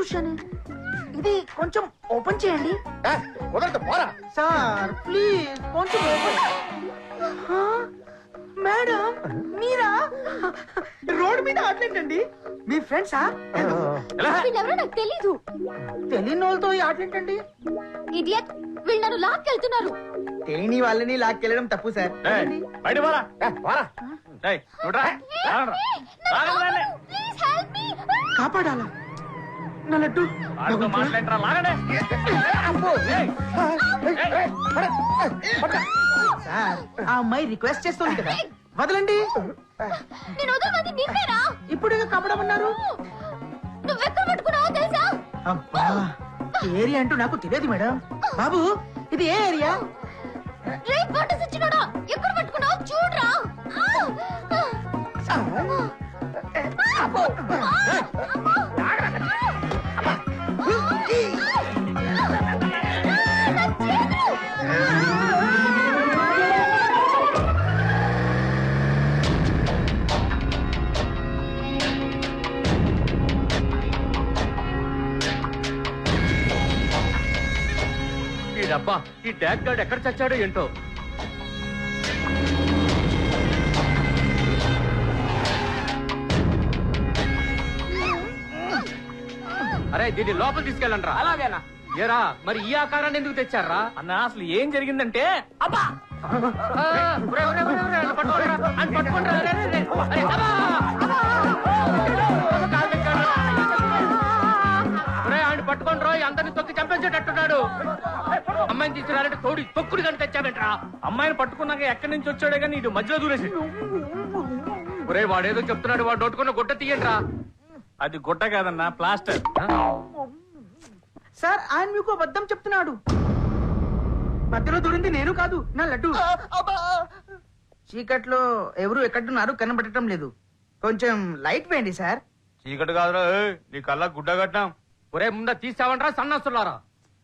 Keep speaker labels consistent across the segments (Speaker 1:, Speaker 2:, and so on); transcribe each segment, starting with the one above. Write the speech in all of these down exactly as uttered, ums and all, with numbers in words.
Speaker 1: చూశాను. ఇది కొంచెం ఓపెన్ చేయండి. సార్ ప్లీజ్ కొంచెం ఓపెన్. మేడం మీరా? రోడ్ మీద ఆటలేంటండి? మీ ఫ్రెండ్సా?
Speaker 2: వీళ్ళెవరో నాకు తెలీదు.
Speaker 1: తెలియని వాళ్ళతో ఈ ఆటలేంటండి?
Speaker 2: ఇడియట్, వీళ్ళు నన్ను లాక్కెళ్తున్నారు.
Speaker 1: తేని వాళ్ళని లాక్కెళ్ళడం తప్పు సార్. కాపాడాలా నా లడ్డు? సార్ ఆ అమ్మాయి రిక్వెస్ట్ చేస్తుంది కదా, వదలండి.
Speaker 2: నేను వదలమంది నిన్నేరా?
Speaker 1: ఇప్పుడు కాపాడమన్నారు.
Speaker 2: నువ్వెక్కడ పట్టుకున్నావో తెలుసా?
Speaker 1: అబ్బా ఏరియా అంటూ నాకు తెలియదు మేడం. బాబు ఇది ఏ ఏరియా?
Speaker 2: రేయ్ ఫోటో ఇచ్చినోడా, ఎక్కడ పట్టుకున్నావో చూడరా.
Speaker 3: అబ్బా ఈ ట్యాగ్ గార్డ్ ఎక్కడ చచ్చాడో ఏంటో. అరే దీన్ని లోపల తీసుకెళ్ళండి.
Speaker 4: అలాగేనా?
Speaker 3: ఏరా మరి ఈ ఆకారాన్ని ఎందుకు తెచ్చారా
Speaker 4: అన్న? అసలు ఏం జరిగిందంటే అబ్బా
Speaker 3: పట్టుకోండి రోయ్, అందరిని తొక్కి చంపేసేటట్టున్నాడు. అమ్మాయిని తీసుకురాలంటే తోడి తొక్కుడు కానీ తెచ్చావేంట్రా?
Speaker 4: అమ్మాయిని పట్టుకున్నాక ఎక్కడి నుంచి వచ్చాడే కానీ ఇటు మధ్యలో దూరేసి.
Speaker 3: ఒరే వాడేదో చెప్తున్నాడు, వాడు నోటుకున్న గుట్ట తీయండిరా.
Speaker 4: అది గుట్ట కాదన్నా, ప్లాస్టర్.
Speaker 1: సార్ ఆయన మీకు అబద్ధం చెప్తున్నాడు. మధ్యలో దూరింది నేను కాదు, నా లడ్డు. చీకట్లో ఎవరు ఎక్కడున్నారు కనబడటం లేదు. కొంచెం లైట్ వేయండి సార్.
Speaker 4: చీకటి కాదురా, నీ కళ్ళ గుడ్డ కట్టాం.
Speaker 3: ఒరే ముందా తీసావంట్రా సన్నస్తున్నారా?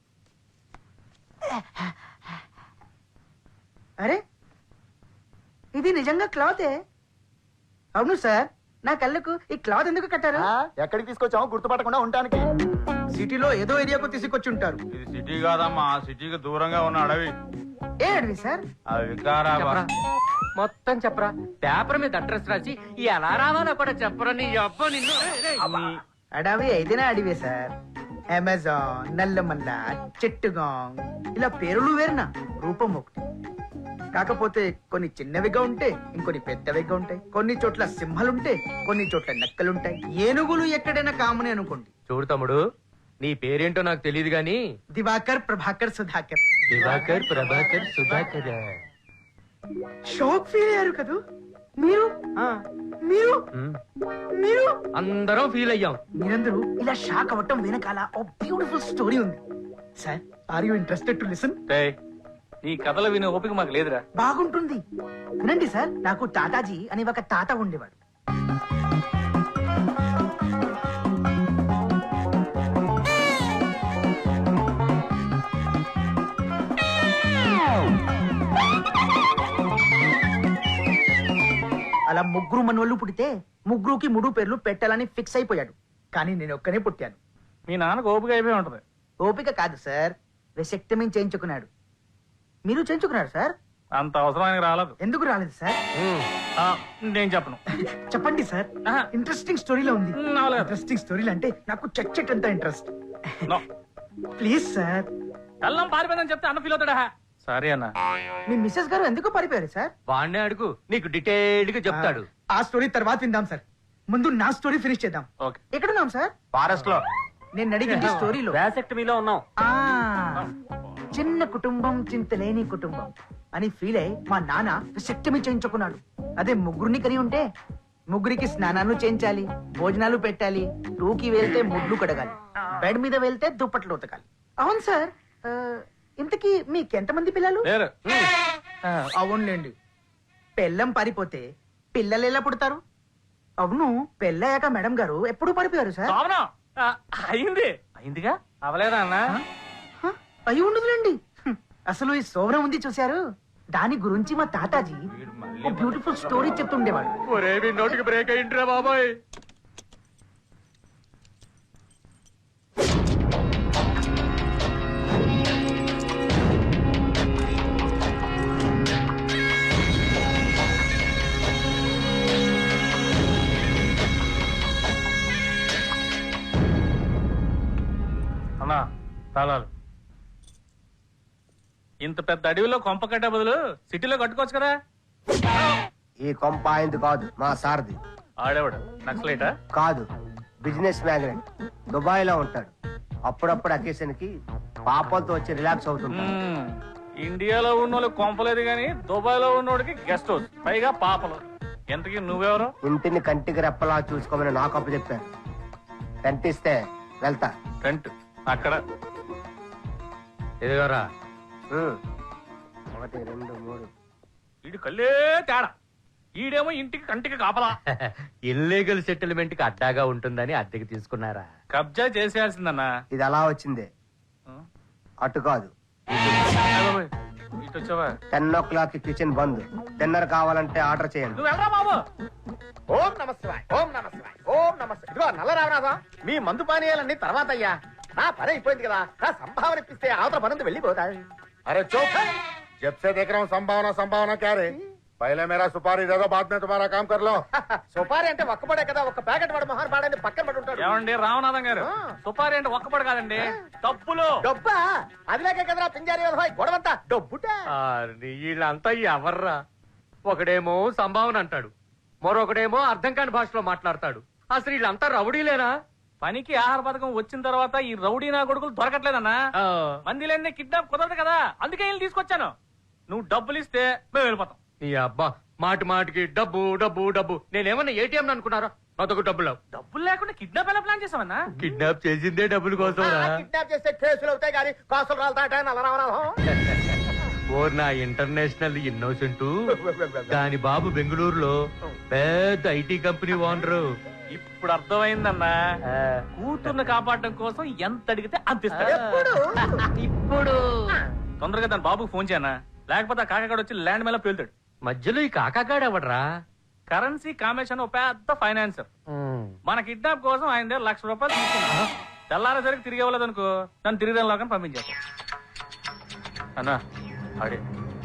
Speaker 1: అరే ఇది నిజంగా క్లాతే. అవును సార్, నా కళ్ళకు ఈ క్లాత్ ఎందుకు కట్టారు?
Speaker 5: ఎక్కడికి తీసుకొచ్చామో గుర్తుపట్టకుండా ఉండటానికి.
Speaker 1: సిటీలో ఏదో ఏరియాకు తీసుకొచ్చి ఉంటారు.
Speaker 4: ఇది సిటీ కాదమ్మా, సిటీకి దూరంగా ఉన్న అడవి.
Speaker 1: ఏ అడవి సార్?
Speaker 4: అది వికారాబాద్.
Speaker 3: మొత్తం చెప్పరా. పేపర్ మీద అడ్రస్ రాసి ఎలా రావాలో కూడా చెప్పరా. నీ అబ్బ నిన్ను.
Speaker 1: అడవి అయితేనే అడివే సార్. అమెజాన్, నల్లమల్ల, చెట్టుగాంగ్ ఇలా పేర్లు వేరునా, రూపం ఒకటి. కాకపోతే కొన్ని చిన్నవిగా ఉంటే ఇంకొన్ని పెద్దవిగా ఉంటాయి. కొన్ని చోట్ల సింహాలుంటే కొన్ని చోట్ల నక్కలుంటాయి. ఏనుగులు ఎక్కడైనా కామనే అనుకోండి.
Speaker 3: చూడు తమ్ముడు, నీ పేరేంటో నాకు తెలియదు గాని
Speaker 1: దివాకర్, ప్రభాకర్, సుధాకర్.
Speaker 3: దివాకర్, ప్రభాకర్, సుధాకర్.
Speaker 1: షాక్ ఫీల్ అయ్యారు కదా మీరు? మీరు మీరు
Speaker 3: అందరం ఫీల్ అయ్యాం.
Speaker 1: మీరందరూ ఇలా షాక్ అవ్వటం వెనకాల ఓ బ్యూటిఫుల్ స్టోరీ ఉంది sir. Are you interested to listen?
Speaker 4: ఈ కథలు వినే ఓపిక మాకు లేదురా.
Speaker 1: బాగుంటుంది, వినండి సార్. నాకు తాతాజీ అని ఒక తాత ఉండేవాడు. అలా ముగ్గురు మనవళ్ళు పుడితే ముగ్గురుకి మూడు పేర్లు పెట్టాలని ఫిక్స్ అయిపోయాడు. కానీ నేను ఒక్కనే పుట్టాను.
Speaker 4: మీ నాన్నకు ఓపిక అయిపోయి ఉంటది.
Speaker 1: ఓపిక కాదు సార్, వెసెక్టమీ చేయించుకున్నాడు. మీరు చేయించుకున్నారు సార్?
Speaker 4: అంత అవసరానికి రాలేదు.
Speaker 1: ఎందుకు రాలేదు సార్?
Speaker 4: నేను చెప్పను.
Speaker 1: చెప్పండి సార్, ఇంట్రెస్టింగ్ స్టోరీలో ఉంది. ఇంట్రెస్టింగ్ స్టోరీలు అంటే నాకు చచ్చట్ అంత ఇంట్రెస్ట్. Please sir.
Speaker 4: కళ్ళం పారిపోయిందని చెప్తే అన్న ఫీల్ అవుతాడా? సరే అన్న.
Speaker 1: మీ మిస్సెస్ గారు ఎందుకు పారిపోయారు సార్?
Speaker 3: వాడినే అడుగు, నీకు డీటెయిల్డ్ గా చెప్తాడు.
Speaker 1: ఆ స్టోరీ తర్వాత విందాం సార్. ముందు నా స్టోరీ ఫినిష్ చేద్దాం. ఎక్కడున్నాం సార్?
Speaker 4: ఫారెస్ట్ లో.
Speaker 1: నేను అడిగింది స్టోరీలో.
Speaker 4: వాసెక్టమీలో ఉన్నాం.
Speaker 1: చిన్న కుటుంబం చింతలేని కుటుంబం అని ఫీల్ అయి మా నాన్న వాసెక్టమీ చేయించుకున్నాడు. అదే ముగ్గురిని కని ఉంటే ముగ్గురికి స్నానాలు చేయించాలి, భోజనాలు పెట్టాలి, టూకి వెళ్తే ముడ్లు కడగాలి, బెడ్ మీద వెళ్తే దుప్పట్లు ఉతకాలి. అవును సార్. ఇంతకీ మీకెంతమంది పిల్లలు? అవునులేండి, పెళ్ళం పారిపోతే పిల్లలు ఎలా పుడతారు? అవును, పెళ్ళయ్యాక మేడం గారు ఎప్పుడు పారిపోయారు సార్?
Speaker 4: అయింది. అయిందిగా అవలేదా అన్న?
Speaker 1: అయి ఉండదులేండి. అసలు ఈ సోవరం ఉంది చూశారు, దాని గురించి మా తాతాజీ బ్యూటిఫుల్ స్టోరీ చెప్తుండేవాడు.
Speaker 3: నోటికి బ్రేక్ అయింట్రా బాబాయ్.
Speaker 4: ఇంత పెద్ద అడవిలో కొంప కట్టే బదులు సిటీలో కట్టుకోవచ్చు కదా.
Speaker 6: ఈ కొంప ఆయనది కాదు, మా సార్ది.
Speaker 4: ఆడేవాడు నక్సలైటా?
Speaker 6: కాదు, బిజినెస్ మ్యాగ్నెట్. దుబాయ్ లో ఉంటాడు. అప్పుడప్పుడు అకేషన్ కి పాపలతో వచ్చి రిలాక్స్ అవుతుంటాడు.
Speaker 4: మ్మ్. ఇండియాలో ఉన్నోళ్ళు కొంపలేదు గాని దుబాయ్ లో ఉన్నోడికి గెస్ట్ హౌస్, పైగా పాపలు. ఎంతకీ నువ్వెవరు?
Speaker 6: ఇంటిని కంటికి రెప్పలా చూసుకోమని నాకు అప్పు చెప్పారు. కనిపిస్తే వెళ్తా.
Speaker 4: టెంట్ అక్కడ.
Speaker 3: ఎదుగోరా
Speaker 6: ఉమ్. ఒకటి రెండు మూడు.
Speaker 4: వీడి కళ్ళే తేడా. ఈడేమో ఇంటికి కంటికి కాపలా.
Speaker 3: ఇల్లీగల్ సెటిల్మెంట్ కి అడ్డాగా ఉంటుందని అద్దెకి తీసుకున్నారా?
Speaker 4: కబ్జా చేసేయాల్సిందన్నా.
Speaker 6: ఇది అలా వచ్చిందే, అటు కాదు.
Speaker 4: ఇటు వచ్చావా?
Speaker 6: టెన్ ఓ క్లాక్ కి కిచెన్ బంద్. డిన్నర్ కావాలంటే ఆర్డర్ చేయండి.
Speaker 4: నువ్వు వెళ్ళరా బాబు.
Speaker 5: ఓం నమస్కారం, ఓం నమస్కారం, ఓం నమస్కారం. ఇదిగో నల్ల రామనాథం, మీ మందు పానీయాలన్నీ తర్వాత అయ్యా. నా పని అయిపోయింది కదా, నా సంభావన ఇప్పిస్తే అవతల పనంతా వెళ్ళిపోతాయి.
Speaker 7: अरे चुप! जब से देख रहा हूँ संभावना संभावना क्या रे? पहले मेरा सुपारी दे दो, बाद में तुम्हारा काम कर लो.
Speaker 5: సుపారి అంటే ఒక్కపడే కదా, ఒక్క ప్యాకెట్ వాడు మహాన్ పాడని పక్కన పడి ఉంటాడు.
Speaker 4: ఏమండి రామనాథం గారు, సుపారి అంటే ఒక్కపడి కాదండి, డబ్బులు.
Speaker 5: డబ్బా అదిలేకే కదరా పింజారి వ్యవహారం గొడవంతా డబ్బుటే.
Speaker 3: వీళ్ళంతా ఎవర్రా? ఒకడేమో సంభావన అంటాడు, మరొకడేమో అర్థం కాని భాషలో మాట్లాడతాడు. అసలు వీళ్ళంతా రౌడీలేనా?
Speaker 4: పనికి ఆహార పథకం వచ్చిన తర్వాత ఈ రౌడీ నా కొడుకులు దొరకట్లేదన్నా.
Speaker 3: ఆ,
Speaker 4: మందిలన్నీ కిడ్నాప్ కుదరదు కదా, అందుకే వీళ్ళు తీసుకొచ్చాను. నువ్వు డబ్బులు ఇస్తే మేము వెళ్ళిపోతాం.
Speaker 3: నీ అబ్బా మాటి మాటికి డబ్బు డబ్బు డబ్బు. నేనేమన్నా ఏటీఎం అనుకున్నారా? అదొక డబ్బులు.
Speaker 4: డబ్బులు లేకుండా కిడ్నాప్ ఎలా ప్లాన్ చేసామన్నా?
Speaker 3: కిడ్నాప్ చేసిందే డబ్బుల కోసం.
Speaker 5: కిడ్నాప్ చేస్తే కేసులు అవుతాయి కానీ కాసులు రాలతాట నల్ల రామనాథం.
Speaker 3: ఓ నా ఇంటర్నేషనల్ ఇన్నోసెంట్. దాని బాబు బెంగళూరులో పెద్ద ఐటీ కంపెనీ ఓనరు.
Speaker 4: ఇప్పుడు అర్థమైందన్నా. కూతుర్ని కాపాడడం కోసం ఎంత అడిగితే అంత ఇస్తాడు.
Speaker 5: ఎప్పుడు
Speaker 3: ఇప్పుడు
Speaker 4: తొందరగా దాని బాబుకి ఫోన్ చేయనా, లేకపోతే ఆ కాకాడు వచ్చి ల్యాండ్ మీద పేలుతాడు.
Speaker 3: మధ్యలో ఈ కాకాగాడెవడ్రా?
Speaker 4: కరెన్సీ కామేషన్ ఒక పెద్ద ఫైనాన్సర్. మన కిడ్నాప్ కోసం ఆయన దగ్గర లక్ష రూపాయలు తీసుకున్నా. తెల్లారేసరికి తిరిగి ఇవ్వలేదు అనుకో, నన్ను తిరిగి లోకని పంపించేస్తాను. అన్నా అడే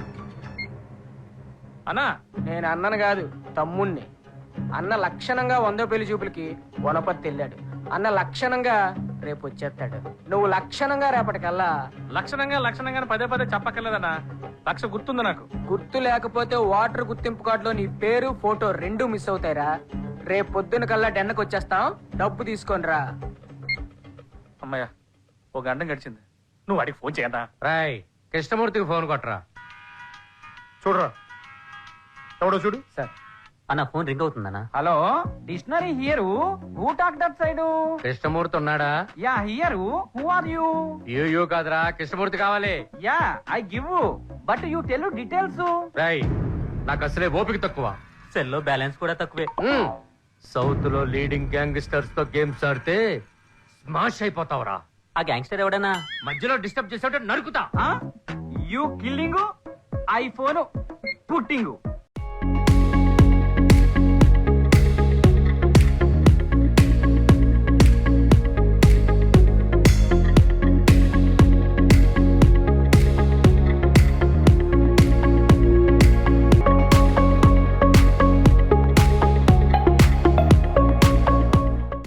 Speaker 4: అన్నా.
Speaker 8: నేను అన్నను కాదు, తమ్ముణ్ణి. అన్న లక్షణంగా వందో పెళ్లి చూపులకి వనపర్తి వెళ్ళాడు. అన్న లక్షణంగా రేపు వచ్చేస్తాడు. నువ్వు లక్షణంగా రేపటికల్లా.
Speaker 4: లక్షణంగా లక్షణంగా పదే పదే చెప్పక్కర్లేదన్నా, లక్ష గుర్తుంది నాకు.
Speaker 8: గుర్తు లేకపోతే వాటర్ గుర్తింపు కార్డులో నీ పేరు ఫోటో రెండు మిస్ అవుతాయిరా. రేపు పొద్దున కల్లా డెన్నకు వచ్చేస్తాం, డబ్బు తీసుకొని రా.
Speaker 4: అమ్మయ్య, ఓ గంట గడిచింది. నువ్వు వాడికి ఫోన్ చేయన్నా.
Speaker 3: రాయ్ కృష్ణమూర్తికి ఫోన్ కొట్టరా.
Speaker 7: చూడరా ఎవడో చూడు.
Speaker 8: సార్
Speaker 3: అన్న ఫోన్ రింగ్ అవుతుందన్నా.
Speaker 8: Hello, dictionary here. Who talk that side?
Speaker 3: Krishnamurthy ఉన్నాడా?
Speaker 8: Yeah here. Who are you?
Speaker 3: You you కాదురా, కృష్ణమూర్తి కావాలి.
Speaker 8: Yeah I give, but you tell details.
Speaker 3: రాయ్ నాకు అసలే ఓపిక తక్కువ,
Speaker 4: సెల్లో బ్యాలెన్స్ కూడా తక్కువే.
Speaker 3: సౌత్ లో లీడింగ్ గ్యాంగ్స్టర్స్ తో గేమ్స్ ఆడితే స్మాష్ అయిపోతావురా.
Speaker 4: ఆ గ్యాంగ్స్టర్ ఎవడన్నా?
Speaker 3: మధ్యలో డిస్టర్బ్ చేసేట నరుకుతా.
Speaker 8: You killing, iPhone putting.